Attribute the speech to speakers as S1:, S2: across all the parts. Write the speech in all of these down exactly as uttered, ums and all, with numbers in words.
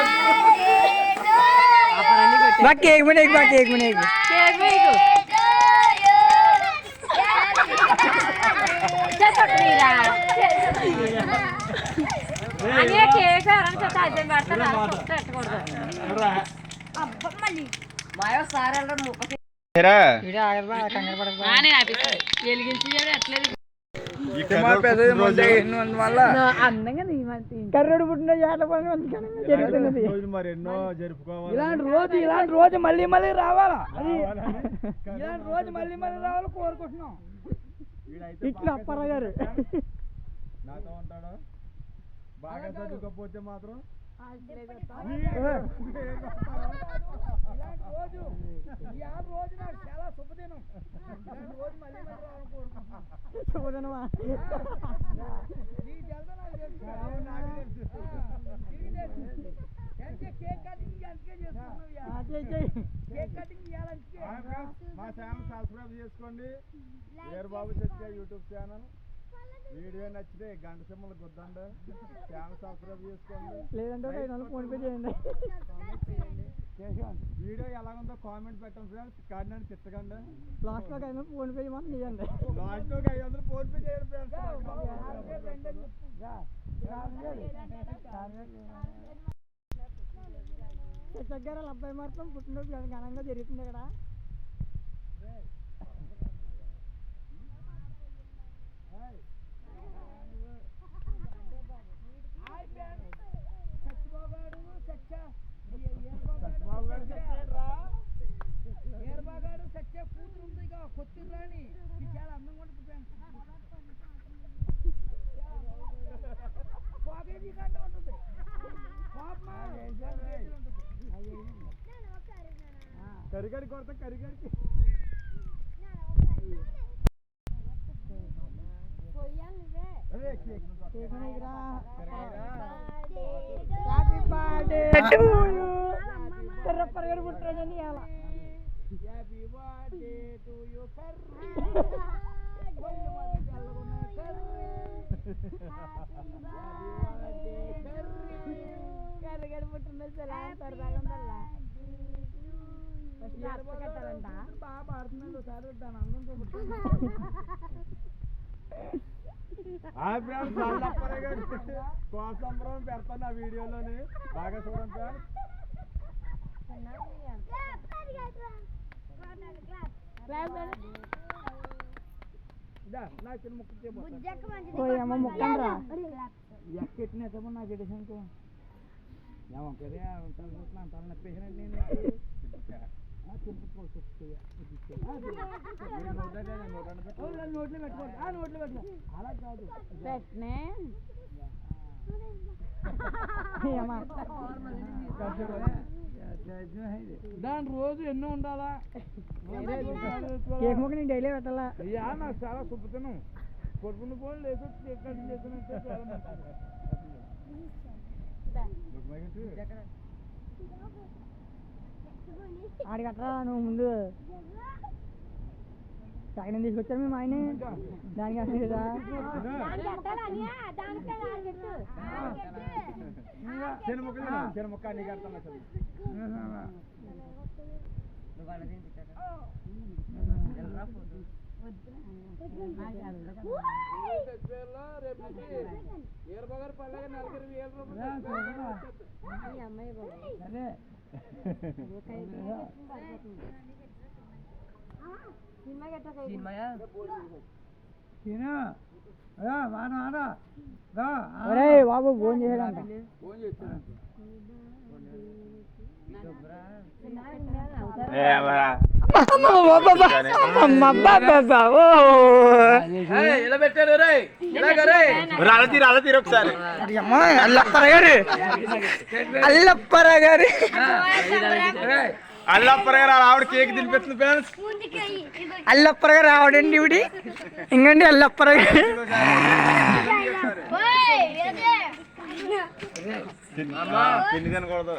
S1: बा केक में एक बा केक में एक
S2: केक में एक क्या चटनी रा आणि केक आराम से ताजे ಮಾಡ್ತಾನೆ ಕಟ್ಟಕೊಡು ಅಪ್ಪ ಮಲ್ಲಿ ಮಾಯೋ ಸಾರಲ್ಲ ಮುಖ
S3: ఏరా
S1: వీడియో ఆగదు బా కంగారు పడకు బా
S2: నానే ఆపిస్తాడు ఎలిగించి అట్లేదు
S3: ఈ కర్రోడు పెద్దది ముందే
S1: ఎన్నో వల్ల
S2: అందంగా నీ మంచి
S1: కర్రోడు పుట్టిన జాతర పని అంతకన్నా జరుగుతున్నది
S3: రోజు మరి ఎన్నో జరుపుకోవాలి
S1: ఇలాంటి రోజు ఇలాంటి రోజు మళ్ళీ మళ్ళీ రావాలా అది ఇలాంటి రోజు మళ్ళీ మళ్ళీ రావాలి కోరుకుంటున్నాం ఇట్లా అప్పారావు గారు
S3: నాతో ఉంటాడు బాగా చదువుకోకపోతే మాత్రం
S1: చాలా శుభదినం రోజు మళ్ళీ శుభదినమా కేక్ కటింగ్ అందుకే కేక్ కటింగ్
S3: మా ఛానల్ సబ్స్క్రైబ్ చేసుకోండి ఏర్ బాబు సత్య యూట్యూబ్ ఛానల్ వీడియో నచ్చితే గంట సింహలు గుద్దండి ఛానల్ సబ్స్క్రైబ్ చేసుకోండి
S1: లేదంటే ఐదు వందలు ఫోన్ పే చేయండి
S3: వీడియో ఎలాగుందో కామెంట్ పెట్టండి ఫ్రెండ్స్ కానీ తిట్టకండి
S1: లాస్ట్ లో ఐదు వందలు ఫోన్ పే చేయమని చేయండి
S3: లాస్ట్ లో ఐదు వందలు ఫోన్ పే చేయండి ఫ్రెండ్స్
S1: దగ్గర అబ్బాయి మాత్రం పుట్టినరోజు ఘనంగా జరుగుతుంది ఇక్కడ ఏర్బాగాడు సత్య కూతురు ఉంది ఇక కొత్తిరి రాణి ఇది చాలా అందంగా ఉంటుంది పాకేజీ కంటే ఉంటుంది
S3: కరిగడి కొడతా కరిగడికి
S1: హ్యాపీ బర్త్డే టు యు కర్రప్పరగడు పుట్టినరోజని ఇయాల హ్యాపీ బర్త్డే టు యు కర్రీ కొల్లు మాది చల్లగున్న కర్రీ హ్యాపీ బర్త్డే కర్రీ కర్రగడు పుట్టినరోజు ఎలా సరదాగా ఉందల్లా ఫస్ట్ అప్ప కట్టాలంట బాగా పాడుతున్నాడు సార్ దాని అందంతో పుట్టిన
S3: కోసంబరం పెడతాను ఆ వీడియోలోని బాగా చూడండి
S1: ముక్కండ్రా ఎక్కెట్టినేమో నాకు ఎడిషన్కు ఏమంటే తల నప్పేసినట్టు నేను నోట్లో పెట్టుకోండి ఆ నోట్లో పెట్టుకో అలా కాదు దాని రోజు ఎన్నో ఉండాలా కేక్ ముక్క నేను డైలీ పెట్టాలా అయ్యా నాకు చాలా శుభ్రతను కొడుకుని పోయి లేక కేక్ కటింగ్ చేస్తున్నట్టే చాలా ఆడి కట్టరా నువ్వు ముందు సగనం తీసుకొచ్చారు మేము ఆయన దానికి అసలు
S3: ముక్క అన్ని కడతాను అసలు ఏర్బగారు పల్లెగా నలుగురు వేల రూపాయలు
S1: బాబు ఫోన్ చేయడంట
S3: ఒకసారి
S1: అల్లప్పరగారు అల్లప్పరగారు
S3: అల్లప్పరగారు ఆవిడ కేక్ తినిపిస్తుంది ఫ్రెండ్స్
S1: అల్లప్పరగారు ఆవిడండి ఇవిడి ఇంకండి అల్లప్పరగారు
S3: పిండి తినకూడదు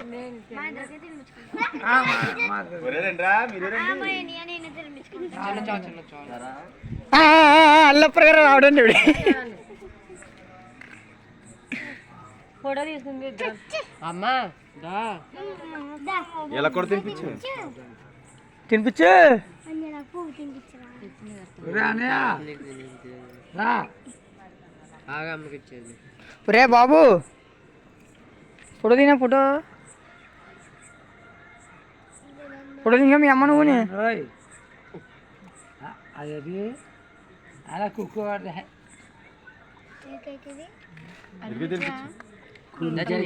S1: అల్లప్పరగారు ఆవిడండి ఇవిడి
S2: ఫోటో తీసుకుంది అమ్మా
S3: ఇలా కూడా తినిపించు.
S1: తినిపించు రే బాబు ఫోటో తినా ఫోటో ఫోటో తిన్నా మీ అమ్మ నువ్వుని
S4: అది అలా కుక్క
S3: ఇదిగో తినిపించు.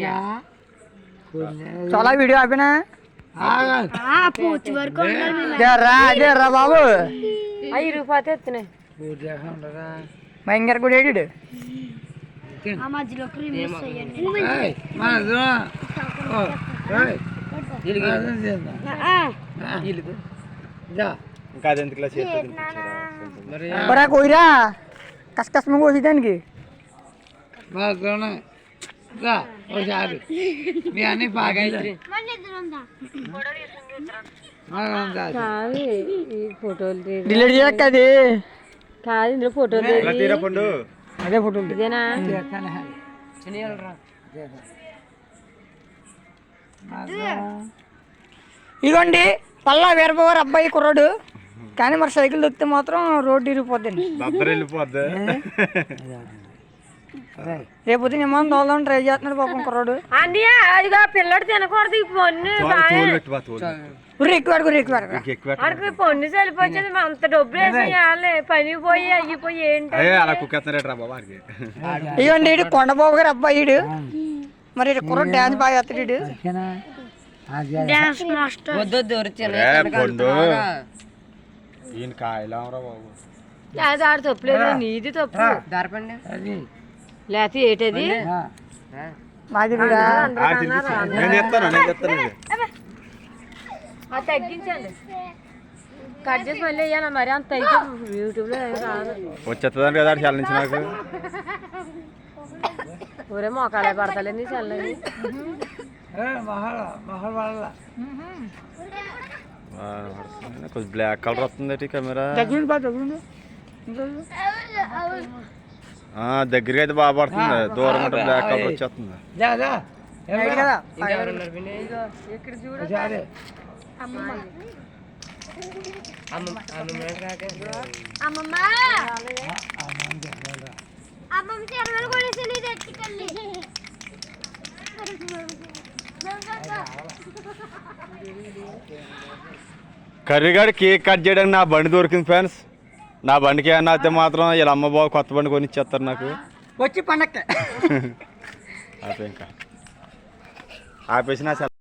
S1: చాలా వీడియో ఆపినా రా అదే రా బాబు
S2: అవి రూపాయలు ఎత్తున్నాయి
S1: భయంకర కూడా ఏడు
S3: ఇంకా అది ఎందుకు చేస్తే తినిపించారా?
S1: ఒరా కోయిరా కష్ట కష్టంగా కోసి దానికి
S4: ఒకసారి మీ అన్ని బాగా
S2: కాదు ఈ ఫోటోలు
S1: డిలీట్ చేయక అది
S2: కాదు ఇందులో ఫోటోలు
S3: ఇలా తీరా పండు.
S1: అదే ఫోటోలు
S2: ఇదేనా
S1: ఇదిగోండి పల్లా వీరబాబు అబ్బాయి కుర్రాడు కానీ మరి సైకిల్ దొక్కితే మాత్రం రోడ్డు ఇరిగిపోద్దండి
S3: దద్దరు వెళ్ళిపోద్ది.
S1: రేపు ఏమో దోదాం ట్రై చేస్తున్నాడు పాపం కుర్రాడు
S2: అన్నయ్య అదిగా పిల్లడు తినకూడదు ఈ పొన్ను
S3: తోలు పెట్టు బా, తోలు పెట్టు.
S1: ఉర్రి ఎక్కువ ఉర్రి ఎక్కువ
S3: ఇంక ఎక్కువ పెట్టు.
S2: అక్కడికి పొన్ను చలిపోయింది అంత డబ్బులు వేసి పని పోయి అయ్యిపోయి ఏంటి
S3: అయ్యే అలా కుక్కేస్తున్నాడు రా బాబా వాడికి.
S1: ఇవ్వండి ఇడు కొండబాబు గారు అబ్బాయి ఇడు మరి ఇటు కుర్రాడు డాన్స్ బాగా చేస్తాడు ఇడు డాన్స్ మాస్టర్
S3: ఏ పండు ఈయన కాయలేమరా బాబు.
S2: లేదా ఆడు తప్పులేదు నీది తప్పు
S4: అది
S2: లేకపోతే ఏంటది
S1: మాది కూడా
S3: ఆ, తినిపించు. నేను చెప్తాను నేను చెప్తాను ఇది.
S2: అది తగ్గించండి కట్ చేసి మళ్ళీ వేయాలి మరి అంత అయితే యూట్యూబ్లో రాదు
S3: వచ్చేస్తుందని కదా చల్లించి నాకు.
S2: ఊరే మోకాలే పడతలేదు చల్లని
S4: మహల్ మహల్ వాళ్ళ
S3: ఆ, కొంచెం బ్లాక్ కలర్ వస్తుంది కెమెరా.
S1: దగ్గరుండి బాగా దగ్గరుండి
S3: ఆ, దగ్గరికి అయితే బాగా పడుతుంది, దూరం ఉంటే బ్లాక్ కలర్ వచ్చేస్తుంది.
S1: రైట్ కదా
S2: ఇక్కడ చూడు
S4: సరే
S3: కర్రీగాడు కేక్ కట్ చేయడానికి నా బండి దొరికింది ఫ్రెండ్స్. నా బండికి ఏమన్నా అయితే మాత్రం ఇలా అమ్మ బాబు కొత్త బండి కొని ఇచ్చేస్తారు నాకు.
S1: వచ్చి పండక్కి
S3: ఆపే ఇంకా ఆపేసి నా